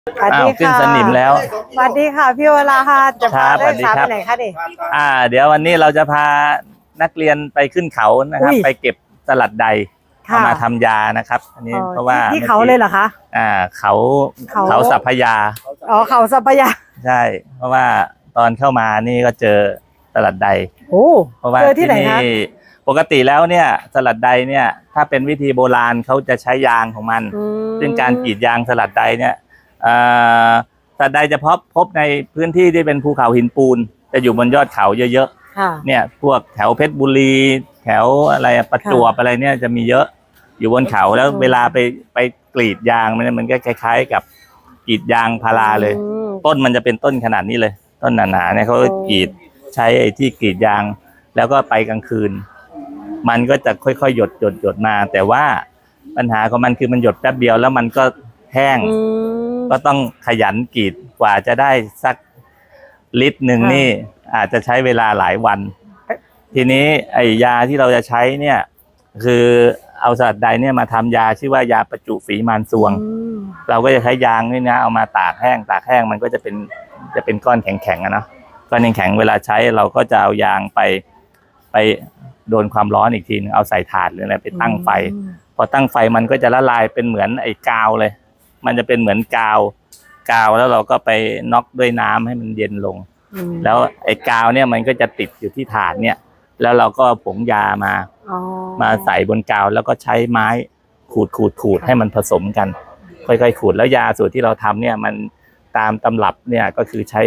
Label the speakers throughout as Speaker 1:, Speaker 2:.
Speaker 1: สวัสดี
Speaker 2: ขึ้น
Speaker 1: ค่ะ
Speaker 2: สนิมแล้ว
Speaker 1: สวัสดีค่ะพี่วราค่ะจะพา
Speaker 2: ครับ
Speaker 1: นักศึกษา
Speaker 2: สวัสดีครับ
Speaker 1: ไปไหนคะดิ
Speaker 2: เดี๋ยววันนี้เราจะพานักเรียนไปขึ้นเขานะครับ
Speaker 1: อุ้ย
Speaker 2: ไปเก็บสลัดใด
Speaker 1: ค่ะ
Speaker 2: เอามาทำยานะครับ อันนี้เพราะว่า
Speaker 1: ที่เขาเลยเหรอคะ
Speaker 2: เขา
Speaker 1: เขา
Speaker 2: เขาสัพพยา
Speaker 1: อ๋อเขาสัปยา
Speaker 2: ใช่ เพราะว่าตอนเข้ามานี่ก็เจอสลัดใด
Speaker 1: โอ้
Speaker 2: เพราะว่า
Speaker 1: เจอที่ไหนคะ
Speaker 2: ปกติแล้วเนี่ยสลัดใดเนี่ยถ้าเป็นวิธีโบราณเขาจะใช้ยางของมัน ซึ่งการกรีดยางสลัดใดเนี่ยสลัดใดจะพบในพื้นที่ที่เป็นภูเขาหินปูนจะอยู่บนยอดเขาเยอะ
Speaker 1: ค่ะ
Speaker 2: ๆเนี่ยพวกแถวเพชรบุรีแถวอะไรประจวบอะไรเนี่ยจะมีเยอะอยู่บนเขาแล้วเวลาไปกรีดยางมันก็คล้ายๆกับกรีดยางพาราเลย ต้นมันจะเป็นต้นขนาดนี้เลย ต้นหนาๆเนี่ยเขากรีดใช้ไอ้ที่กรีดยางแล้วก็ไปกลางคืน มันก็จะค่อยๆหยดมา แต่ว่าปัญหาของมันคือมันหยดแป๊บเดียวแล้วมันก็แห้งก็ต้องขยันกรีดกว่าจะได้สักลิตรหนึ่งนี่อาจจะใช้เวลาหลายวัน ทีนี้ไอ้ยาที่เราจะใช้เนี่ยคือเอาสลัดใดเนี่ยมาทำยาชื่อว่ายาประจุฝีมานซวง เราก็จะใช้ยางนี่นะเอามาตากแห้งมันก็จะเป็นก้อนแข็งๆนะก้อนแข็งๆเวลาใช้เราก็จะเอายางไปโดนความร้อนอีกทีนึงเอาใส่ถาดหรืออะไรไปตั้งไฟพอตั้งไฟมันก็จะละลายเป็นเหมือนไอ้กาวเลยมันจะเป็นเหมือนกาวแล้วเราก็ไปน็อกด้วยน้ำให้มันเย็นลงแล้วไอ้กาวเนี่ยมันก็จะติดอยู่ที่ถาดเนี่ยแล้วเราก็ผงยามาใส่บนกาวแล้วก็ใช้ไม้ขูดให้มันผสมกันค่อยๆขูดแล้วยาสูตรที่เราทำเนี่ยมันตามตำรับเนี่ยก็คือใช้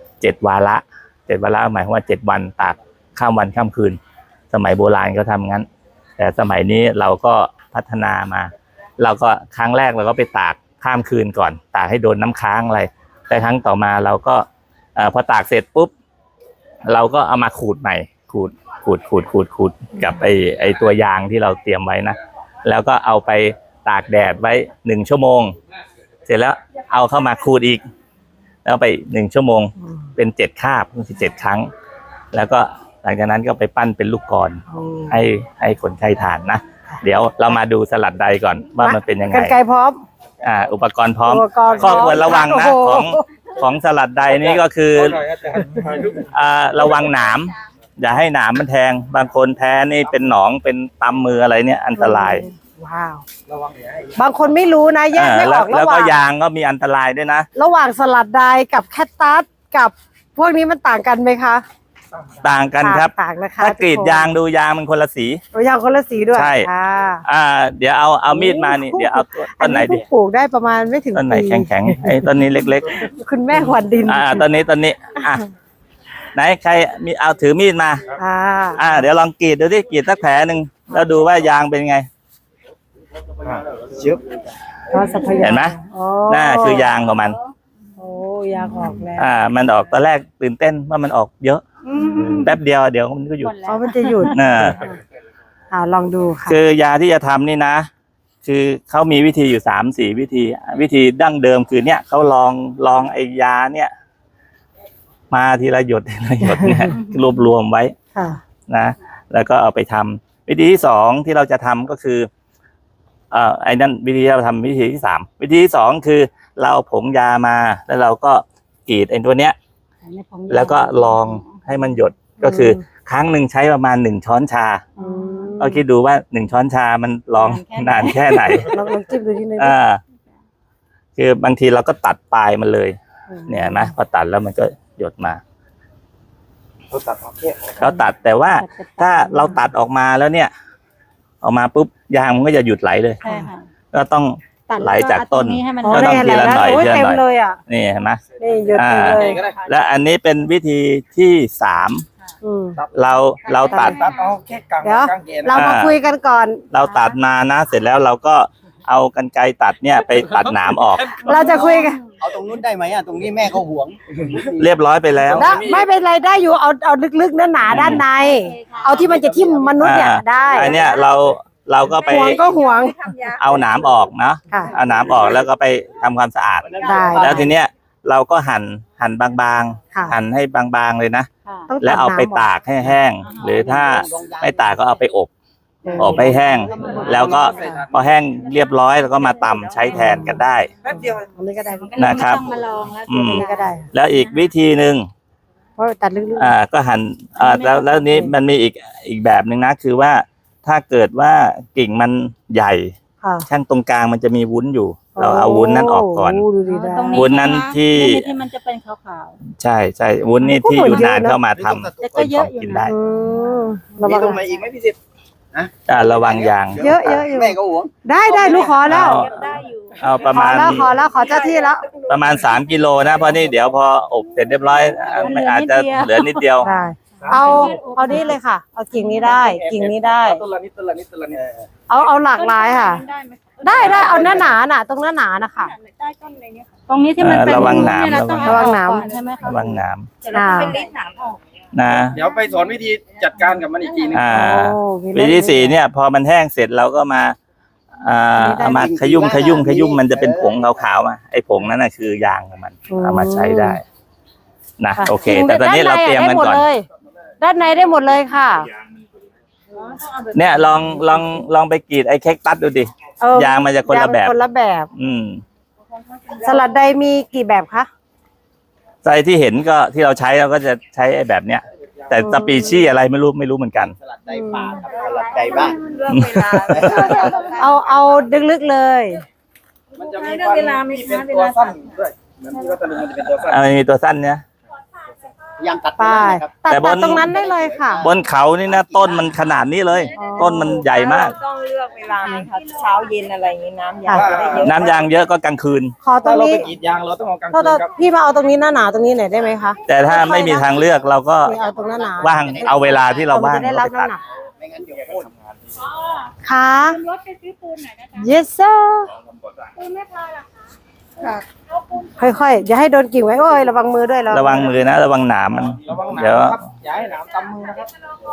Speaker 2: 7 วาระหมายความว่า7 วันตากข้ามวันข้ามคืนสมัยโบราณก็ทำงั้นแต่สมัยนี้เราก็พัฒนามาเราก็ครั้งแรกเราก็ไปตากข้ามคืนก่อนตากให้โดนน้ำค้างอะไรแต่ครั้งต่อมาเราก็พอตากเสร็จปุ๊บเราก็เอามาขูดใหม่ขูดกับไอตัวยางที่เราเตรียมไว้นะแล้วก็เอาไปตากแดดไว้1 ชั่วโมงเสร็จแล้วเอาเข้ามาขูดอีกแล้วไป1 ชั่วโมงเป็น7 คาบคือ7 ครั้งแล้วก็หลังจากนั้นก็ไปปั้นเป็นลูกกลอนให้คนไข้ทานนะเดี๋ยวเรามาดูสลัดใดก่อนว่ามันเป็นยังไง
Speaker 1: กรรไกรพร้อม
Speaker 2: อุปกรณ์พร้อมข้อควรระวังนะของสลัดใดนี้ก็คือระวังหนามอย่าให้หนามมันแทงบางคนแพ้นี่เป็นหนองเป็นตำมืออะไรเนี่ยอันตราย
Speaker 1: ว้าวบางคนไม่รู้นะแยกไม่ออก
Speaker 2: แล้วก็ยางก็มีอันตรายด้วยนะ
Speaker 1: ระหว่างสลัดใดกับแคตตัสกับพวกนี้มันต่างกันไหมคะ
Speaker 2: ต่างกันครับ
Speaker 1: ต่างนะคะ
Speaker 2: ถ้ากรีดยางดูยางมันคนละสี
Speaker 1: ยางคนละสีด้วย
Speaker 2: ใช่เดี๋ยวเอามีดมานี่เดี๋ยวเอาต้นไหนดี
Speaker 1: ปลูกได้ประมาณไม่ถึง
Speaker 2: ต้นไหนแข็งไอ้ต้นนี้เล็ก
Speaker 1: ๆคุณแม่ขวัญดิน
Speaker 2: ต้นนี้ไหนใครมีเอาถือมีดมาเดี๋ยวลองกรีดดูที่กรีดสักแผลหนึ่งแล้วดูว่ายางเป็นไงเห็นไหมน่าคือยางของมัน
Speaker 1: ยางออกแล้ว
Speaker 2: มันออกตอนแรกตื่นเต้นว่ามันออกเยอะแป๊บเดียวเดี๋ยวมันก็หยุด
Speaker 1: มันจะหยุดลองดูค่ะ
Speaker 2: คือยาที่จะทำนี่นะคือเขามีวิธีอยู่3-4 วิธีดั้งเดิมคือเนี่ยเขาลองไอ้ยาเนี่ยมาทีละหยดเนี่ยรวมไว้นะแล้วก็เอาไปทำวิธีที่2ที่เราจะทำก็คือไอ้นั่นวิธีเราทำวิธีที่3วิธีที่2คือเราผงยามาแล้วเราก็กรีดไอ้ตัวเนี้ยแล้วก็ลองให้มันหยดก็คือครั้งหนึ่งใช้ประมาณ1 ช้อนชาเราคิดดูว่า1 ช้อนชามันลองนานแค่ไหน
Speaker 1: ลองจิ้มดูทีนึง
Speaker 2: คือบางทีเราก็ตัดปลายมันเลยเนี่ยนะพอตัดแล้วมันก็หยดมาเขาตัดแต่ว่าถ้าเราตัดออกมาแล้วเนี่ยออกมาปุ๊บยางมันก็จะหยุดไหลเลยก็ต้องไหลจากต้นก็ต้องทีละหน่อยนี่เห็นไหม
Speaker 1: นี่หยดเลย
Speaker 2: และอันนี้เป็นวิธีที่3เราตัด
Speaker 1: เดี๋ยวเรามาคุยกันก่อน
Speaker 2: เราตัดมานะเสร็จแล้วเราก็เอากรรไกรตัดเนี่ยไปตัดหนามออก
Speaker 1: เราจะคุยกัน
Speaker 3: เอาตรงนู้นได้ไหมตรงนี้แม่เขาห่วง
Speaker 2: เรียบร้อยไปแล้ว
Speaker 1: ไม่เป็นไรได้อยู่เอาลึกๆหนาด้านในเอาที่มันจะทิ่มมนุษย์เนี่ยได้
Speaker 2: อันเนี้ยเราก็ไป
Speaker 1: ห่วง
Speaker 2: เอาหนามออกนะเอาหนามออกแล้วก็ไปทำความสะอาดแล้วทีเนี้ยเราก็หั่นบางๆหั่นให้บางๆเลยนะแล้วเอาไปตากให้แห้งหรือถ้าไม่ตากก็เอาไปอบอบให้แห้ง แล้วก็พอแห้งเรียบร้อยแล้วก็มาตำใช้แทนกันได้
Speaker 1: อันนี้ก็ได้
Speaker 2: นะครับ
Speaker 4: ไม่ต้องมาลองแล้ว
Speaker 2: อืม
Speaker 1: อันนี้ก็ได้
Speaker 2: แล้วอีกวิธีหนึ่ง
Speaker 1: เพราะตัดลึก
Speaker 2: ก็หั่นแล้วนี้มันมีอีกแบบหนึ่งนะ คือว่าถ้าเกิดว่ากิ่งมันใหญ่
Speaker 1: ๆค่ะ
Speaker 2: ข้างตรงกลางมันจะมีวุ้นอยู่ เราเอาวุ้นนั้นออกก่อน
Speaker 1: โดูดีได้
Speaker 4: ตรง
Speaker 2: วุ้นนั้นที่
Speaker 4: ที่มันจะเป็นขาว
Speaker 2: ใช่ใช่วุ้นนี่ที่อยู่นานเข้ามาทำ
Speaker 4: ๆแต่ก็เยอะอยู่
Speaker 2: กิน
Speaker 4: นะ
Speaker 2: ได้
Speaker 1: อืม
Speaker 3: มี
Speaker 1: ระวัง
Speaker 3: ตรงไหนอีกไหมพี่สิทธิ์
Speaker 2: ระวังยาง
Speaker 1: เยอะอยู่
Speaker 3: แม่ก็หวง
Speaker 1: ได้ลูกขอแล้ว
Speaker 4: ได้อยู่
Speaker 2: เอาประ
Speaker 1: ขอ
Speaker 2: มาณ
Speaker 1: แล้วขอเจ้าที่แล้ว
Speaker 2: ประมาณ3 กิโลนะเพราะนี่เดี๋ยวพออบเสร็จเรียบร้อยไม่อาจจะเหลือนิดเดียว
Speaker 1: ได้เอานี้เลยค่ะ เอากิ่งนี้ได้กิ่งนี้ได้
Speaker 3: ต้นละนิดต้นละนิดต้นละนิด
Speaker 1: เอาหลากหลายค่ะ
Speaker 4: ได้ไหม
Speaker 1: ได้เอาหน้าน่ะตรงหน้านะคะ
Speaker 4: ได้ต้นอะไรเนี่ยค่ะตรงนี้ที่มันเป็น
Speaker 2: ระวังหนาม
Speaker 4: เรต้อง
Speaker 1: ระวังหนาม
Speaker 4: เอออกก่อใช่ไหมคะ
Speaker 2: ระวังหนาม
Speaker 4: เดี๋ยวเราต้องไปรีดหนามออก
Speaker 2: นะ
Speaker 3: เดี๋ยวไปสอนวิธีจัดการกับมันอีกทีนึง
Speaker 1: โอ้มี
Speaker 2: วิธีที่สี่เนี่ย พอมันแห้งเสร็จเราก็มาเอามาขยุ่มมันจะเป็นผงขาวๆมาไอ้ผงนั้นน่ะคือยางของมันเอามาใช้ได้นะ
Speaker 1: ค่ะ
Speaker 2: โอเค แต่ตอนนี้เราเตรียมกันก่อน
Speaker 1: ด้านในได้หมดเลยค่ะ
Speaker 2: เนี่ยลองไปกรีดไอ้เค้กตัดดูดิ ยางมันจะคนละแบบ
Speaker 1: คนละแบบ สลัดใดมีกี่แบบคะ
Speaker 2: ใจที่เห็นก็ที่เราใช้เราก็จะใช้ไอ้แบบเนี้ย แต่สปีชีส์อะไรไม่รู้เหมือนกัน
Speaker 3: สลัดใดป่าครับสลัดใดบ้าน
Speaker 4: เรื่องเวลา
Speaker 1: เอาดึกลึกเลย
Speaker 3: มันจะมีที่เป็นตัวสั้นด้วยเหมือนที่วัตถุมันจะเป็นตัวสั้น
Speaker 2: มีตัวสั้นเนี่ย
Speaker 3: ยังตัด
Speaker 1: ไป
Speaker 3: ครับ
Speaker 1: ตัด
Speaker 2: แต่บน
Speaker 1: ตรงนั้นได้เลยค่ะ
Speaker 2: บนเขานี่นะต้นมันขนาดนี้เลย
Speaker 1: อ๋อ
Speaker 2: ต้นมันใหญ่มาก
Speaker 5: ต้องเลือกเวลาไหมคะเช้าเย็นอะไรอย่างนี้น้ำยางจะได้เยอะ
Speaker 2: น้ำยางเยอะก็กลางคืน
Speaker 1: ขอตร
Speaker 3: ถ้าง เรา
Speaker 1: นี้
Speaker 3: ไปกรีดยางเราต้องเอากลาง
Speaker 1: โท
Speaker 3: คื
Speaker 1: ษ
Speaker 3: นครับ
Speaker 1: พี่มาเอาตรงนี้หน้าตรงนี้หน่อยได้ไหมคะ
Speaker 2: แต่ถ้าไม่มีทางเลือกเราก็
Speaker 1: นี่เอาตรงหน้า
Speaker 2: ว่างเอาเวลาที่เราว่าง
Speaker 1: จะได้รับน้ำหนัก
Speaker 3: ไม่งั้นเดี๋ยวโค่น
Speaker 1: ค่ะ
Speaker 4: รถไปซื้อปูนหน่อยนะจ๊ะ
Speaker 1: yes sir
Speaker 4: ปูนไม่พอหรอก
Speaker 1: ค่อยๆอย่าให้โดนกิ่งไว้โอ้ยระวังมือด้วย
Speaker 2: ระวังมือนะระวังหนามมัน
Speaker 3: ระวังหนาม
Speaker 2: เดี๋ยว
Speaker 3: นะครับอย่าให้หนามตำมือนะครับ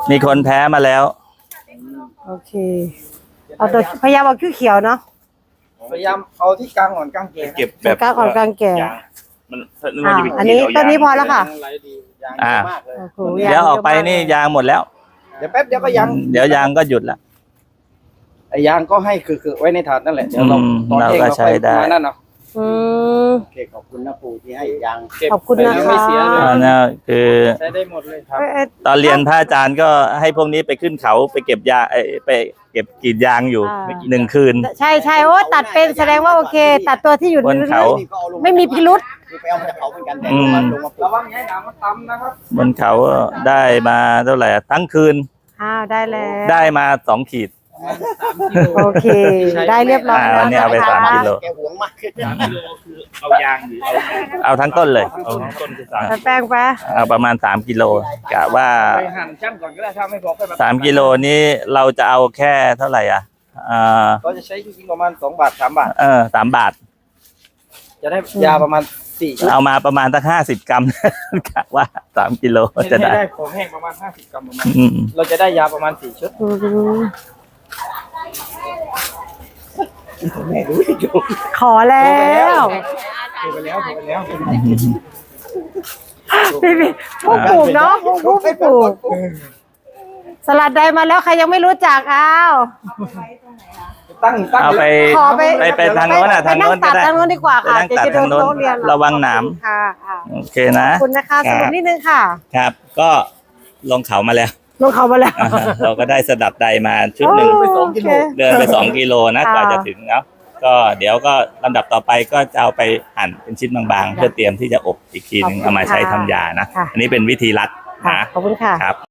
Speaker 2: มีคนแพ้มาแล้ว
Speaker 1: โอเคเอาตัวพยายามเอาเขียวๆเนาะ
Speaker 3: พยายามเอาที่กลางอ่อนกลางเก
Speaker 2: เก็บแบ
Speaker 1: แบบ
Speaker 2: บ
Speaker 1: กลางอ่อนกลางแก่
Speaker 2: มัน
Speaker 1: อันนี้ต้นนี้พอแล้วค่ะ
Speaker 3: ไหลดียางเยอะมากเลย
Speaker 1: โอ้โห
Speaker 2: เดี๋ยวออกไปนี่ยางหมดแล้ว
Speaker 3: เดี๋ยวแป๊บเดียวก็ยัง
Speaker 2: เดี๋ยวยางก็หยุดละ
Speaker 3: ไอ้ยางก็ให้คือไว้ในถาดนั่นแหละเดี๋ยวเรา ตอน
Speaker 2: เรา
Speaker 3: เอง
Speaker 2: ก็
Speaker 3: เรา
Speaker 2: ใช้
Speaker 3: ค่อย
Speaker 2: ได้
Speaker 3: มานั่นเนาะ
Speaker 1: อืม
Speaker 3: โอเคขอบคุณนะปู่ที่ให้ยาง
Speaker 1: ขอบคุณนะคะ
Speaker 3: ไม่เสียเลย
Speaker 2: เนี่ยคือ
Speaker 3: ใช้ได้หมดเลยครับ
Speaker 2: ตอนเรียนพระอาจารย์ก็ให้พวกนี้ไปขึ้นเขาไปเก็บยาไปเก็บกรีดยางอยู่1 คืน
Speaker 1: ใช่โอ้ตัดเป็นแสดงว่าโอเค ตัดตัวที่อยู่
Speaker 2: บนเขา
Speaker 3: นี่ก็เอาลง
Speaker 1: ไม่มีพิรุษ
Speaker 3: คือไปเอามาจากเขาเหมือนกันแต่
Speaker 2: อืม
Speaker 3: ลงมาปลูกระวังอย่าให้หนามมันตำนะครับ
Speaker 2: บนเขาได้มาเท่าไหร่ทั้งคืน
Speaker 1: ได้แล้ว
Speaker 2: ได้มา2 ขีด
Speaker 1: โอเค ได้เรียบร้อย
Speaker 2: วันนี้เอาไป
Speaker 1: แล้ว
Speaker 2: 3 กิโล
Speaker 3: แกหวงมาก
Speaker 2: เอายางเอาทั้งต้นเลยเอาทั้งต้นคือ
Speaker 1: ตัดแป้งไป
Speaker 2: เอาประมาณ3 กิโลกะว่า
Speaker 3: ไปหั่นช่างก่อนก็ได้ถ้าไม่พอค่อยมา
Speaker 2: 3 กิโลนี้เราจะเอาแค่เท่าไหร่
Speaker 3: ก็จะใช้จริงๆประมาณ2 บาท 3 บาท
Speaker 2: 3 บาท
Speaker 3: จะได้ยาประมาณ4 ชุด
Speaker 2: เอามาประมาณสัก50 กรัม กะว่า3 กิโลจะ
Speaker 3: ให้
Speaker 2: ได้
Speaker 3: ได้ของแห้งประมาณ50 กรัมประมาณ
Speaker 2: อืม
Speaker 3: เราจะได้ยาประมาณ4 ชุดแม่ดูอยู่
Speaker 1: ขอแล้ว
Speaker 3: ถูกไปแล้วถูกไปแล้ว
Speaker 1: พี่ผู้ปลูกเนาะผู้ปลูก สลัดใดมาแล้วใครยังไม่รู้จักอ้าว
Speaker 3: ตั้ง
Speaker 2: เอาไป
Speaker 1: ขอไป
Speaker 2: ไปทางโน้นทางโน้น
Speaker 1: ไป
Speaker 2: ก็ได้
Speaker 1: ทางโน้นดีกว่า
Speaker 2: ไป
Speaker 1: ค่ะ
Speaker 2: นั่ง
Speaker 1: เดี๋ยว
Speaker 2: ตัด
Speaker 1: จะโด
Speaker 2: ทาง
Speaker 1: น
Speaker 2: โน้น
Speaker 1: โต๊ะเรียน
Speaker 2: ระวังหนาม
Speaker 1: ค่ะ
Speaker 2: โอเคนะ
Speaker 1: ขอบคุณนะคะสรุปนิดนึงค่ะ
Speaker 2: ครับ ก็ลงเขามาแล้ว
Speaker 1: ลงเขามาแล้ว
Speaker 2: เราก็ได้สดับใดมาชุดหนึ่ง
Speaker 1: โอเค
Speaker 2: เดินไป2 กิโลนะ
Speaker 1: ค่ะ
Speaker 2: กว่าจะถึงเนาะก็เดี๋ยวก็ลำดับต่อไปก็จะเอาไปหั่นเป็นชิ้นบางๆ เพื่อเตรียมที่จะอบอีกทีหนึงเอามาใช้ทำยานะ อันนี้เป็นวิธีรัด
Speaker 1: ค่ะ
Speaker 2: นะ
Speaker 1: ขอบคุณค่ะ
Speaker 2: ครับ